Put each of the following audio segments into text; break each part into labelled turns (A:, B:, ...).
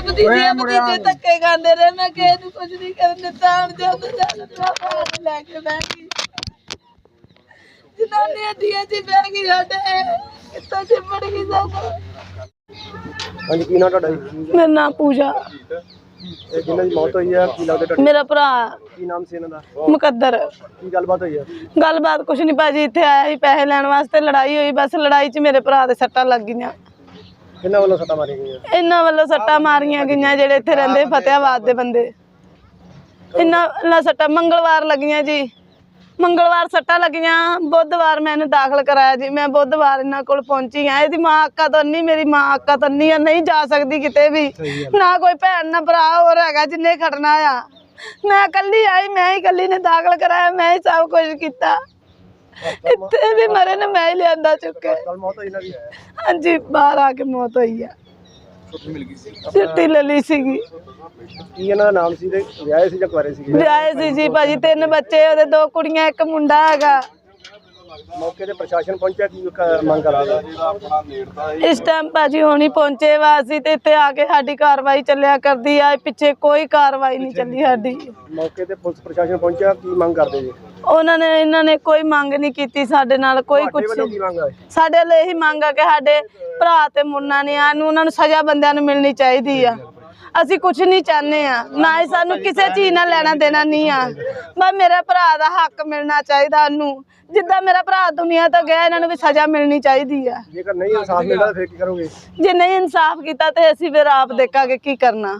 A: भतीजे भतीजे धक्के खाते रहे मैं किसी कुछ नहीं करन दिता लैके बह गई जनानी हड्डियां च बह गई साडे कितना चिमड़ गई सानू।
B: हाँ जी की नाम ਤੁਹਾਡਾ ਜੀ?
A: मेरा नाम पूजा।
B: ਇਹ ਜਿਨ੍ਹਾਂ ਦੀ ਮੌਤ ਹੋਈ ਹੈ ਕੀ ਲੱਗਦਾ ਤੁਹਾਡਾ?
A: मेरा भरा
B: ਕੀ ਨਾਮ ਸੀ ਇਹਨਾਂ ਦਾ?
A: मुकद्दर।
B: ਕੀ ਗੱਲਬਾਤ ਹੋਈ ਹੈ?
A: गलबात कुछ नहीं भाजी इत्थे आया ही पैसे लैण वास्ते लड़ाई हुई बस लड़ाई च मेरे भरा दे सट्टां लग गईयां।
B: ਕਿੰਨਾ ਵੱਲੋਂ ਸੱਟਾਂ ਮਾਰੀਆਂ ਗਈਆਂ?
A: इन्हां वल्लों सट्टां मारियां गईयां जेड़े इत्थे रहिंदे फतेहाबाद दे बंदे इन्हां वल्लों सट्टां मंगलवार लगियां जी मंगलवार सट्टां लगियां बुधवार मैं इन्हूं दाखल कराया जी मैं बुधवार इन्हां कोल पहुंची हां इहदी मां अक्का तो अन्नी मेरी मां अक्का तो अन्नी नहीं जा सकदी किते भी ना कोई भैन ना भरा होर हैगा जिन्ने खड़ना आ मैं कल्ली आई मैं ही कल्ली ने दाखल कराया मैं ही सब कुछ किया इत्थे भी मरे ने मैं ही लियांदा चुके।
B: ਕੱਲ ਮੌਤ ਹੋਈ ਇਹਨਾਂ ਦੀ?
A: हाँ जी बाहर आके मौत हुई है छुट्टी ले ली सीगी।
B: ਕੀ ਇਹਨਾਂ ਦਾ ਨਾਮ ਸੀ ਤੇ ਵਿਆਹੇ ਸੀ ਜਾਂ ਕੁਆਰੇ ਸੀਗੇ?
A: ਵਿਆਹੇ ਸੀ ਜੀ ਭਾਜੀ 3 ਬੱਚੇ ਉਹਦੇ 2 ਕੁੜੀਆਂ 1 ਮੁੰਡਾ ਹੈਗਾ।
B: ਮੌਕੇ ਤੇ ਪ੍ਰਸ਼ਾਸਨ ਪਹੁੰਚਿਆ ਕੀ ਮੰਗ ਕਰਾਂਗਾ?
A: ਇਸ ਟਾਈਮ ਭਾਜੀ ਹੋਣੀ ਪਹੁੰਚੇ ਵਾ ਅਸੀਂ ਤੇ ਇੱਥੇ ਆ ਕੇ ਸਾਡੀ ਕਾਰਵਾਈ ਚੱਲਿਆ ਕਰਦੀ ਆ ਪਿੱਛੇ ਕੋਈ ਕਾਰਵਾਈ ਨਹੀਂ ਚੱਲੀ ਸਾਡੀ।
B: ਮੌਕੇ ਤੇ ਪੁਲਿਸ ਪ੍ਰਸ਼ਾਸਨ ਪਹੁੰਚਿਆ ਕੀ ਮੰਗ ਕਰਦੇ ਜੀ?
A: ਇਹਨਾਂ ਨੇ ਕੋਈ ਮੰਗ ਨਹੀਂ ਕੀਤੀ ਸਾਡੇ ਨਾਲ ਕੋਈ ਕੁਛ
B: ਕੀ ਮੰਗ ਹੈ?
A: ਸਾਡੇ ਲਈ ਇਹੀ ਮੰਗ ਆ ਕਿ ਸਾਡੇ ਭਰਾ ਤੇ ਮੁੰਨਾ ਨੇ ਉਹਨਾਂ ਨੂੰ ਸਜ਼ਾ ਬੰਦਿਆਂ ਨੂੰ ਮਿਲਣੀ ਚਾਹੀਦੀ ਆ। ਅਸੀਂ ਕੁਛ ਨਹੀਂ ਚਾਹੁੰਦੇ ਆ ਨਾ ਹੀ ਸਾਨੂੰ ਕਿਸੇ ਚੀਜ਼ ਨਾਲ ਲੈਣਾ ਦੇਣਾ ਨਹੀਂ ਆ ਬਸ ਮੇਰੇ ਭਰਾ ਦਾ ਹੱਕ ਮਿਲਣਾ ਚਾਹੀਦਾ ਉਹਨੂੰ ਜਿੱਦਾਂ ਮੇਰਾ ਭਰਾ ਦੁਨੀਆ ਤੋਂ ਗਿਆ ਇਹਨਾਂ ਨੂੰ ਵੀ ਸਜ਼ਾ ਮਿਲਣੀ ਚਾਹੀਦੀ ਆ।
B: ਜੇਕਰ ਨਹੀਂ ਇਨਸਾਫ ਮਿਲਦਾ ਫਿਰ ਕੀ ਕਰੋਗੇ?
A: ਜੇ ਨਹੀਂ ਇਨਸਾਫ ਕੀਤਾ ਤੇ ਅਸੀਂ ਫਿਰ ਆਪ ਦੇਖਾਂਗੇ ਕੀ ਕਰਨਾ।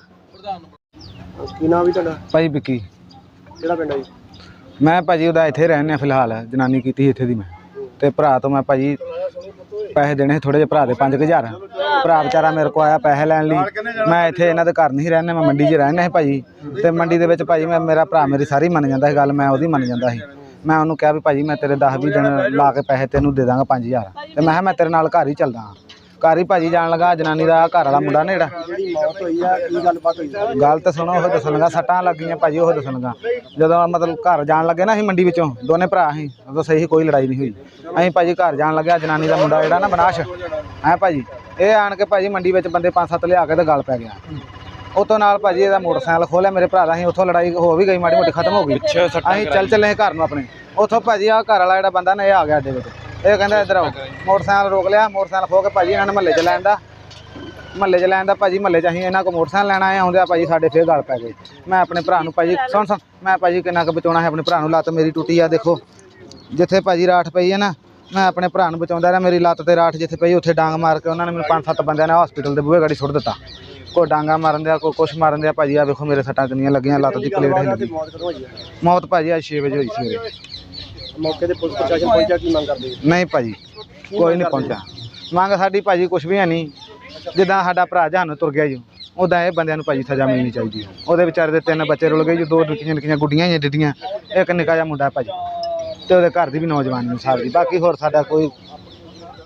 B: ਕੀ ਨਾਮ ਵੀ ਤੁਹਾਡਾ?
C: ਭਾਈ ਵਿੱਕੀ।
B: ਕਿਹੜਾ ਪਿੰਡ ਹੈ ਜੀ?
C: ਮੈਂ ਭਾਜੀ ਉਹਦਾ ਇੱਥੇ ਰਹਿੰਦੇ ਫਿਲਹਾਲ ਜਨਾਨੀ ਕੀਤੀ ਇੱਥੇ ਦੀ ਮੈਂ ਤੇ ਭਰਾ ਤੋਂ ਮੈਂ ਭਾਜੀ ਪੈਸੇ ਦੇਣੇ ਥੋੜੇ ਜਿਹੇ ਭਰਾ ਦੇ 5000 ਭਰਾ ਵਿਚਾਰਾ ਮੇਰੇ ਕੋਲ ਆਇਆ ਪੈਸੇ ਲੈਣ ਲਈ ਮੈਂ ਇੱਥੇ ਇਹਨਾਂ ਦੇ ਘਰ ਨਹੀਂ ਰਹਿੰਦਾ ਮੈਂ ਮੰਡੀ 'ਚ ਰਹਿੰਦਾ ਸੀ ਭਾਜੀ ਤੇ ਮੰਡੀ ਦੇ ਵਿੱਚ ਭਾਜੀ ਮੇਰਾ ਭਰਾ ਮੇਰੀ ਸਾਰੀ ਮੰਨ ਜਾਂਦਾ ਸੀ ਗੱਲ ਮੈਂ ਉਹਦੀ ਮੰਨ ਜਾਂਦਾ ਸੀ। ਮੈਂ ਉਹਨੂੰ ਕਿਹਾ ਵੀ ਭਾਜੀ ਮੈਂ ਤੇਰੇ 10-20 ਦਿਨ ਲਾ ਕੇ ਪੈਸੇ ਤੈਨੂੰ ਦੇ ਦਾਂਗਾ 5000 ਤੇ ਮੈਂ ਕਿਹਾ ਮੈਂ ਤੇਰੇ ਨਾਲ ਘਰ ਹੀ ਚੱਲਦਾ ਹਾਂ। ਘਰ ਹੀ ਭਾਜੀ ਜਾਣ ਲੱਗਾ ਜਨਾਨੀ ਦਾ ਘਰ ਵਾਲਾ ਮੁੰਡਾ ਨੇ ਜਿਹੜਾ
B: ਜਿਹੜੀ ਮੌਤ ਹੋਈ ਆ ਕੀ ਗੱਲਬਾਤ ਹੋਈ?
C: ਗੱਲ ਤਾਂ ਸੁਣੋ ਉਹ ਦੱਸਣਗਾ ਸੱਟਾਂ ਲੱਗ ਗਈਆਂ ਭਾਜੀ ਉਹ ਦੱਸਣਗਾ ਜਦੋਂ ਮਤਲਬ ਘਰ ਜਾਣ ਲੱਗੇ ਨਾ ਅਸੀਂ ਮੰਡੀ ਵਿੱਚੋਂ ਦੋਨੇ ਭਰਾ ਸੀ ਉਦੋਂ ਸਹੀ ਕੋਈ ਲੜਾਈ ਨਹੀਂ ਹੋਈ ਅਸੀਂ ਭਾਜੀ ਘਰ ਜਾਣ ਲੱਗਿਆ ਜਨਾਨੀ ਦਾ ਮੁੰਡਾ ਜਿਹੜਾ ਨਾ ਬਨਾਸ਼ ਹੈ ਭਾਜੀ ਇਹ ਆਣ ਕੇ ਭਾਜੀ ਮੰਡੀ ਵਿੱਚ ਬੰਦੇ 5-7 ਲਿਆ ਕੇ ਤੇ ਗੱਲ ਪੈ ਗਿਆ ਉਤੋਂ ਨਾਲ ਭਾਜੀ ਇਹਦਾ ਮੋਟਰਸਾਈਕਲ ਖੋਲਿਆ ਮੇਰੇ ਭਰਾ ਦਾ ਅਸੀਂ ਉੱਥੋਂ ਲੜਾਈ ਹੋ ਵੀ ਗਈ ਮਾੜੀ ਮੋਟੀ ਖਤਮ ਹੋ ਗਈ ਅਸੀਂ ਚੱਲੇ ਘਰ ਨੂੰ ਆਪਣੇ ਉੱਥੋਂ ਭਾਜੀ ਆ ਘਰ ਵਾਲਾ ਜਿਹੜਾ ਬੰਦਾ ਨੇ ਇਹ ਆ ਗਿਆ ਅੱਡੇ ਵਿੱਚ ਇਹ ਕਹਿੰਦਾ ਇੱਧਰ ਆਓ ਮੋਟਰਸਾਈਕਲ ਰੋਕ ਲਿਆ ਮੋਟਰਸਾਈਕਲ ਖੋ ਕੇ ਭਾਜੀ ਇਹਨਾਂ ਨੇ ਮਹੱਲੇ 'ਚ ਲੈਣ ਦਾ ਭਾਜੀ ਮਹੱਲੇ 'ਚ ਅਸੀਂ ਇਹਨਾਂ ਕੋਲ ਮੋਟਰਸਾਈਕਲ ਲੈਣਾ ਆਏ ਆਉਂਦੇ ਆ ਭਾਜੀ ਸਾਡੇ ਫੇਰ ਗੱਲ ਪੈ ਗਈ। ਮੈਂ ਆਪਣੇ ਭਰਾ ਨੂੰ ਭਾਜੀ ਸੁਣ ਮੈਂ ਭਾਜੀ ਕਿੰਨਾ ਕੁ ਬਚਾਉਣਾ ਹੈ ਆਪਣੇ ਭਰਾ ਨੂੰ ਲੱਤ ਮੇਰੀ ਟੁੱਟੀ ਆ ਦੇਖੋ ਜਿੱਥੇ ਭਾਜੀ ਰਾਠ ਪਈ ਹੈ ਨਾ ਮੈਂ ਆਪਣੇ ਭਰਾ ਨੂੰ ਬਚਾਉਂਦਾ ਰਿਹਾ ਮੇਰੀ ਲੱਤ ਤੇ ਰਾਠ ਜਿੱਥੇ ਪਈ ਉੱਥੇ ਡਾਂਗ ਮਾਰ ਕੇ ਉਹਨਾਂ ਨੇ ਮੈਨੂੰ 5-7 ਬੰਦਿਆਂ ਨੇ ਹਸਪੀਟਲ ਦੇ ਬੂਹੇ ਗਾੜੀ ਸੁੱਟ ਦਿੱਤਾ ਕੋਈ ਡਾਂਗਾ ਮਾਰਨ ਦਿਆ ਕੋਈ ਕੁਛ ਮਾਰਨ ਦਿਆ ਭਾਜੀ ਆ ਵੇਖੋ ਮੇਰੇ ਸੱਟਾਂ ਕਿੰਨੀਆਂ ਲੱਗੀਆਂ ਲੱਤ ਦੀ ਪਲੇਟ ਹੈ। ਮੌਤ ਭਾਜੀ ਅੱਜ 6 ਵਜੇ ਹੋਈ ਸਵੇਰੇ।
B: ਮੌਕੇ ਤੇ ਪੁਲਿਸ ਪ੍ਰਸ਼ਾਸਨ ਪਹੁੰਚਿਆ ਕੀ ਮੰਗ ਕਰਦੇ?
C: ਨਹੀਂ ਭਾਜੀ ਕੋਈ ਨਹੀਂ ਪਹੁੰਚਿਆ ਮੰਗ ਸਾਡੀ ਭਾਜੀ ਕੁਛ ਵੀ ਹੈ ਨਹੀਂ ਜਿੱਦਾਂ ਸਾਡਾ ਭਰਾ ਜਹਾਨ ਤੁਰ ਗਿਆ ਜੀ ਉੱਦਾਂ ਇਹ ਬੰਦਿਆਂ ਨੂੰ ਭਾਜੀ ਸਜ਼ਾ ਮਿਲਣੀ ਚਾਹੀਦੀ ਹੈ। ਉਹਦੇ ਵਿਚਾਰੇ ਦੇ 3 ਬੱਚੇ ਰੁਲ ਗਏ ਜੀ 2 ਨਿੱਕੀਆਂ ਗੁੱਡੀਆਂ ਹੀ ਡਿੱਡੀਆਂ ਇੱਕ ਨਿੱਕਾ ਜਿਹਾ ਮੁੰਡਾ ਭਾਜੀ ਤੇ ਉਹਦੇ ਘਰ ਦੀ ਵੀ ਨੌਜਵਾਨ ਨੂੰ ਸਾਰੀ ਬਾਕੀ ਹੋਰ ਸਾਡਾ ਕੋਈ